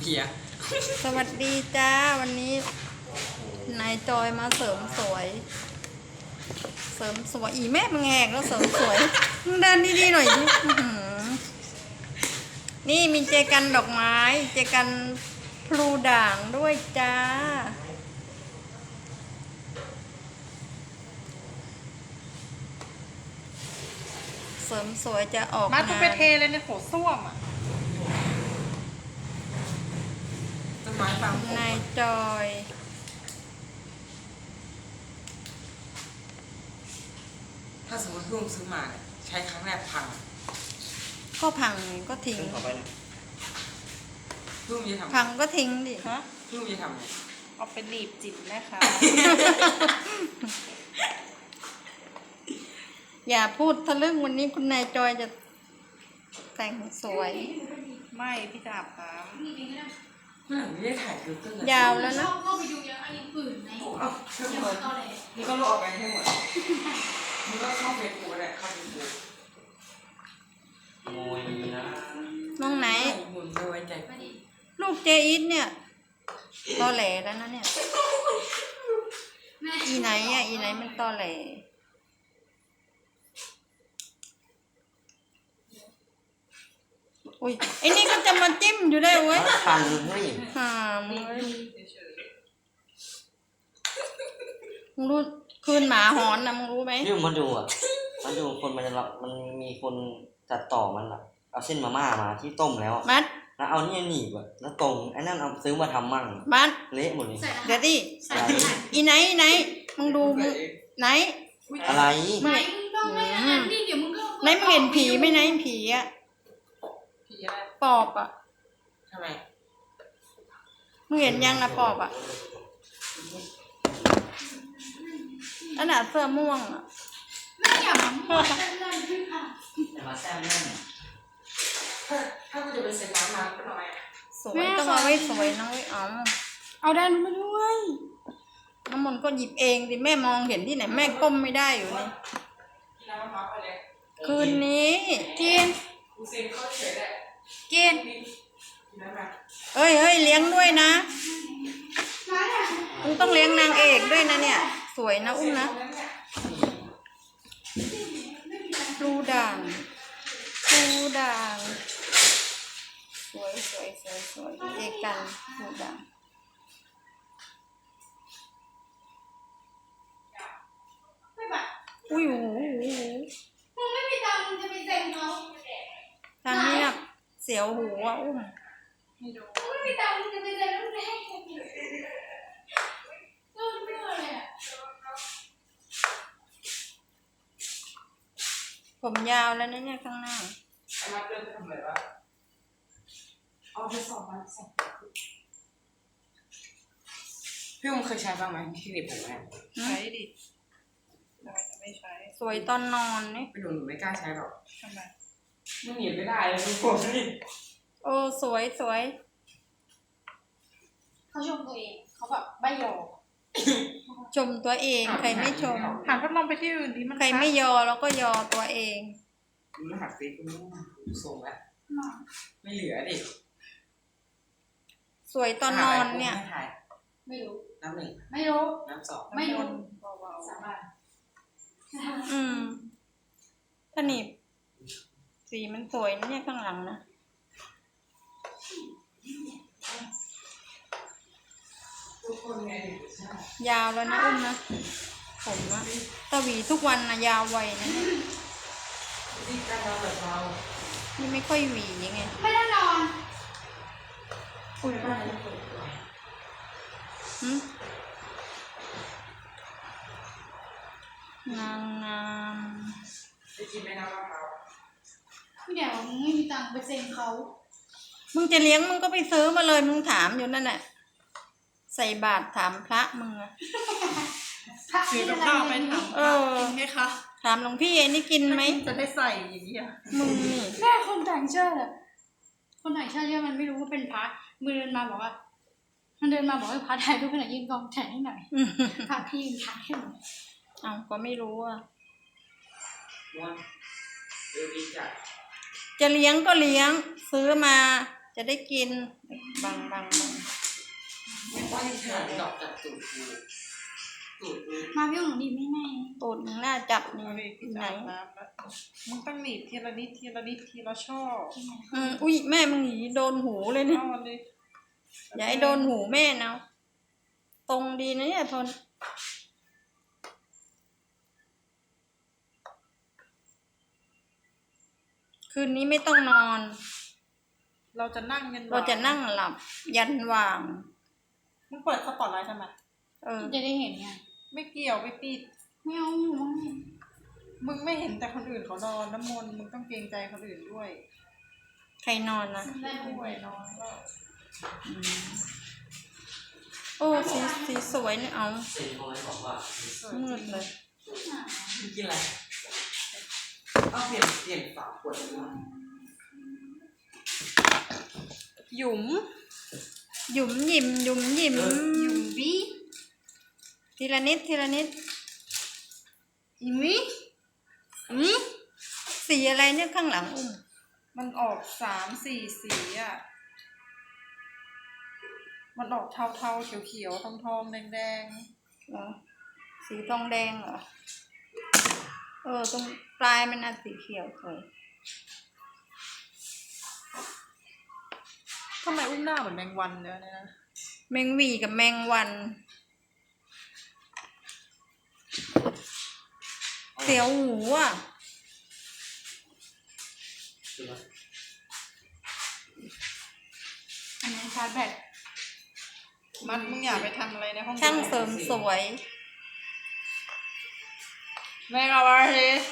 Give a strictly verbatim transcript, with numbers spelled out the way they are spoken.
เพียสวัสดีจ้าวันนี้นายจอยมาเสริมสวย เสริมสวยอีแม่มึงแหกแล้วเสริมสวยมึงเดินดีๆหน่อยดินี่มีเจกันดอกไม้เจกันพลูด่างด้วยจ้าเสริมสวยจะออกมาต้องไปเทเลยในโถส้วมอ่ะต้นไม้บางนายจอยถ้าสมมติเพิ่งซื้อมาเนี่ยใช้ครั้งแรกพังก็พังก็ทิ้งเพิ่งจะทำพังก็ทิ้งดิฮะเพิ่งจะทำไงเอาไปหนีบจิตนะคะอย่าพูดทะลึ่งวันนี้คุณนายจอยจะแต่งสวยไม่พี่จะอาบน้ำเมื่อไหร่ไม่ได้ถ่ายดูตึ้งยาวแล้วนะเข้าไปดูยังอันนี้ปืนไหมเอาเชื่อมเลยนี่ก็ลบออกไปให้หมดนี่ก็เข้าเฟซบุ๊กได้เข้าเฟซบุ๊กมวยนะน้องไหนหมุนไม่ไว้ใจลูกเจอีทเนี่ยตอแหลแล้วนะเนี่ยอีไหนอ่ะอีไหนมันตอแหลอุ้ยไอ้นี่ก็จะมาจิ้มอยู่ได้เว้ยพันเฮ้ยห่ามมึงรู้คืนหมาหอนนะมึงรู้ไหมนี่มาดูอ่ะมาดูคนมันจะมันมีคนจัดต่อมันอ่ะเอาเส้นมาม่ามาที่ต้มแล้วมัดแล้วเอานี่หนีบอ่ะแล้วตรงไอ้นั่นเอาซื้อมาทำมั่งมัดเละหมดเลยเดี๋ยวดิอีไหนไหนมึงดูไหนอะไรไหนมึงต้องไม่อันนี้เดี๋ยวมึงก็ไหนมึงเห็นผีไหมไหนผีอ่ะปอบอ่ะทำไมมึงเห็นยังนะปอบอ่ะอันน่ะเสื้อม่วงอ่ะไม่อย่ามาพูดนั่นขึ้นค่ะอย่ามาแซมนั่นถ้าถ้ากูจะไปเซ็นน้ำมาก็ทำไมสวยต้องเอาไว้สวยน้องไว้เอาเอาได้มาด้วยน้ำมนต์ก็หยิบเองดิแม่มองเห็นที่ไหนแม่ก้มไม่ได้อยู่นี่คืนนี้กินกินเอ้ยเฮ้ยเลี้ยงด้วยนะมึงต้องเลี้ยงนางเอกด้วยนะเนี่ยสวยนะอุ้มนะดูด่างดูด่างสวยสวยสวยสวยเอกกันดูด่างอุ้ยโอ้โหมึงไม่มีตังค์จะไปเซ็นเขาทางนี้นะเสียวหูอ่ะอุ้มมึงไม่มีตังค์จะไปเซ็นลูกแรกต้นเมื่อเลยอ่ะผมยาวแล้วนะเนี่ยข้างหน้ามาเดินไปทำอะไรวะเอาไปสองวันสองพี่มึงเคยใช้บ้างไหมที่หนีบผมเนี่ยใช้ดิทำไมจะไม่ใช้สวยตอนนอนนี่ไม่หนูหนูไม่กล้าใช้หรอกทำไมมึงหนีไม่ได้เลยมึงผมนี่โอ้สวยสวยเขาชมตัวเองเขาแบบใบยอชมตัวเองใครไม่ชมหันพัดลมไปที่อื่นดิมันใครไม่ยอแล้วก็ยอตัวเองมึงหักฟีกูไม่ส่งแล้วไม่เหลือดิสวยตอนนอนเนี่ยไม่รู้น้ำหนึ่งไม่รู้น้ำสองไม่รู้สาบานอืมถ้าหนีบสีมันสวยนะเนี่ยข้างหลังนะยาวแล้วนะอุ้มนะผมนะตะหวีทุกวันนะยาวไวนะเนี่ยนี่ไม่ค่อยหวียังไงไม่ได้นอนอุ้ยหืมนางงามไปกินไหมน้ำมะพร้าวพี่เดี๋ยวมึงไม่มีตังค์ไปเซ็นเขามึงจะเลี้ยงมึงก็ไปซื้อมาเลยมึงถามอยู่นั่นแหละใส่บาตรถามพระมึงอะซื้อกับข้าวไปถามเออกินไหมคะถามหลวงพี่เอ็นี่กินไหมจะได้ใส่อย่างนี้มึงนี่แม่คนต่างชาติอะคนต่างชาติเนี่ยมันไม่รู้ว่าเป็นพระมือเดินมาบอกว่ามันเดินมาบอกว่าพระไทยทุกคนยืนกองแขนให้หน่อยพระพี่ยืนถ่ายให้หน่อยอ้าวก็ไม่รู้อ่ะจะเลี้ยงก็เลี้ยงซื้อมาจะได้กินบังบังบังไม่ว่าที่ขนาดดอกจับตูดกูตูดกูมาพี่หนูดีไม่แน่ตูดมึงน่าจับนี่เอาดิพี่จะไหนอาบน้ำแล้วมึงต้องหนีบทีละนิดทีละนิดทีละช่ออืมอุ้ยแม่มึงหนีโดนหูเลยเนี่ยเอาเลยอย่าให้โดนหูแม่นะตรงดีนะเนี่ยทนคืนนี้ไม่ต้องนอนเราจะนั่งกันเราจะนั่งหลับ ยันว่างมึงเปิดสปอตไลท์ทำไมเออจะได้เห็นไงไม่เกี่ยวไม่ปิดไม่เอาอยู่มั้งมึงไม่เห็นแต่คนอื่นเขานอนน้ำมนต์มึงต้องเกรงใจคนอื่นด้วยใครนอนนะด้วยนอนแล้วอืมโอ้สีสีสวยเนี่ยเอาเซ็นเขาไว้บอกว่ามืดเลยมึงกินอะไรเอาเปลี่ยนเปลี่ยนฝาขวดมาหยุมหยุมหยิมหยุมหยิมหยุมวิทีละนิดทีละนิดอีมิอืมสีอะไรเนี่ยข้างหลังอุ้มมันออกสามสี่สีอ่ะ มันออกเทาเทาๆเขียวเขียวๆทองทองๆแดงแดงเหรอสีทองแดงเหรอ เออ ตรงปลายมันน่ะสีเขียวสวยๆทำไมอุ้มหน้าเหมือนแมงวันเลยเนี่ยนะแมงหวีกับแมงวันเสียวหูอ่ะอันนี้ชาร์จแบตมันมึงอย่าไปทำอะไรในห้องช่างเสริมสวยแมงอะไร